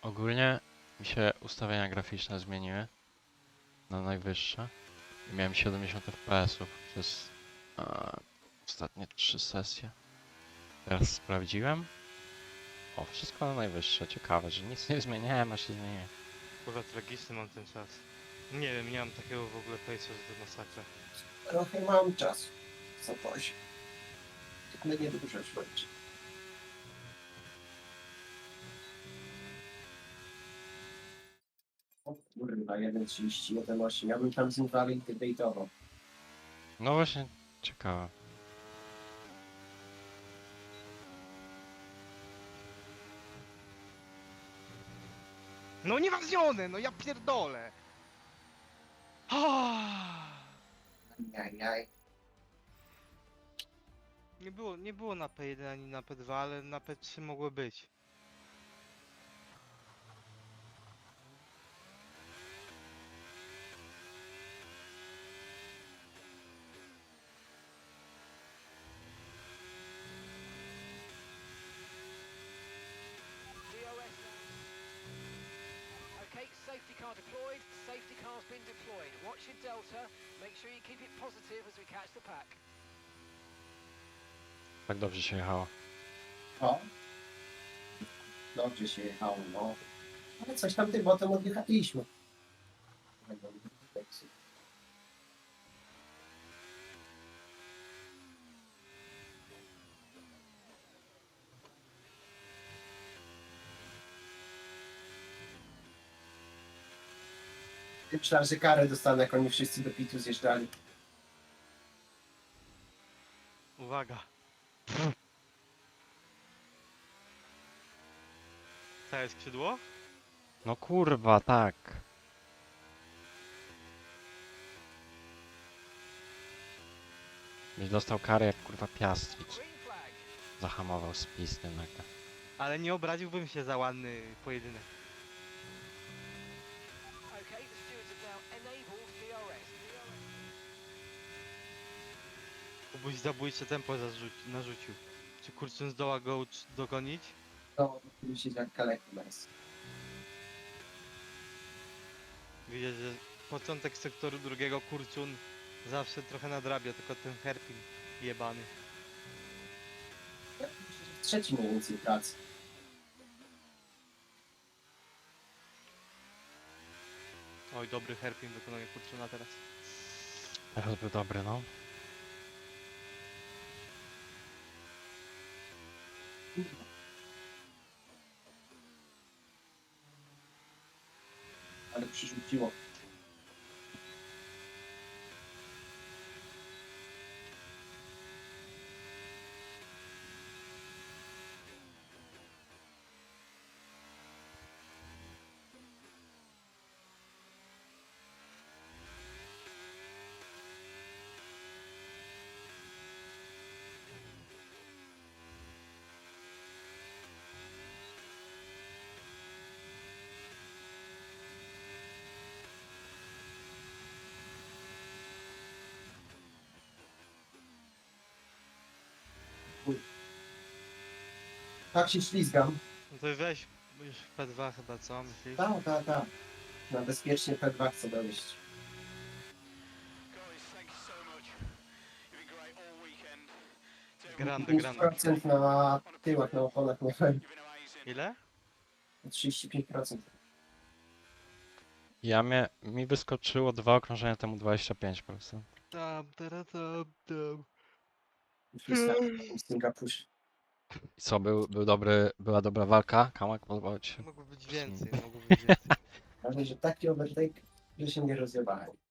Ogólnie mi się ustawienia graficzne zmieniły na najwyższe i miałem 70 fps przez ostatnie 3 sesje. Teraz sprawdziłem. O, wszystko na najwyższe. Ciekawe, że nic nie zmieniałem, a się zmieniłem. Kurwa, tragiczny mam ten czas. Nie wiem, nie mam takiego w ogóle pejsa, że to masakra. Trochę mam czasu. Co poś. Ale nie dużo już będzie. O kurwa, 1.31.8. Ja bym tam z inwalid debate'ował. No właśnie, ciekawe. No nieważnione, no ja pierdolę! Jaj. Nie było na P1 ani na P2, ale na P3 mogło być. DOS now. Okay, safety car deployed. Safety car's been deployed. Watch your delta. Make sure you keep it positive as we catch the pack. Tak dobrze się jechało. O. Dobrze się jechało, no. Ale coś tam tym potem odjechaliśmy. Myślałem, że karę dostanę, jak oni wszyscy do pitu zjeżdżali. Uwaga. Całe skrzydło? No kurwa, tak. Byś dostał karę jak kurwa Piastwicz. Green flag. Zahamował z pisty nagle. Ale nie obraziłbym się za ładny pojedynek. Okay, the stewards have now enabled DRS. Kubuś zabójcze tempo narzucił. Czy Kurczyn zdoła go dogonić? To myślisz jak kaleki nas. Widać, że początek sektoru drugiego Kurczun zawsze trochę nadrabia, tylko ten Herpin jebany. Trzeci mniej więcej pracy. Oj, dobry Herpin wykonuje Kurczuna teraz. Teraz był dobry, no. Ale przyrzuciło. Tak się ślizgam. No to weź już w P2 chyba, co myślisz? Tak. Na bezpiecznie P2 chcę dojść. Grande, grande. 5% na tyłach, na oponach miałem. Ile? 35%. Mi wyskoczyło 2 okrążenia temu 25 po prostu. Tam. W Singapurze. I co, była dobra walka? Kamak, podobało ci się? Mogło być więcej, mogło być więcej. Ważne, że taki overtake, że się nie rozjebałem.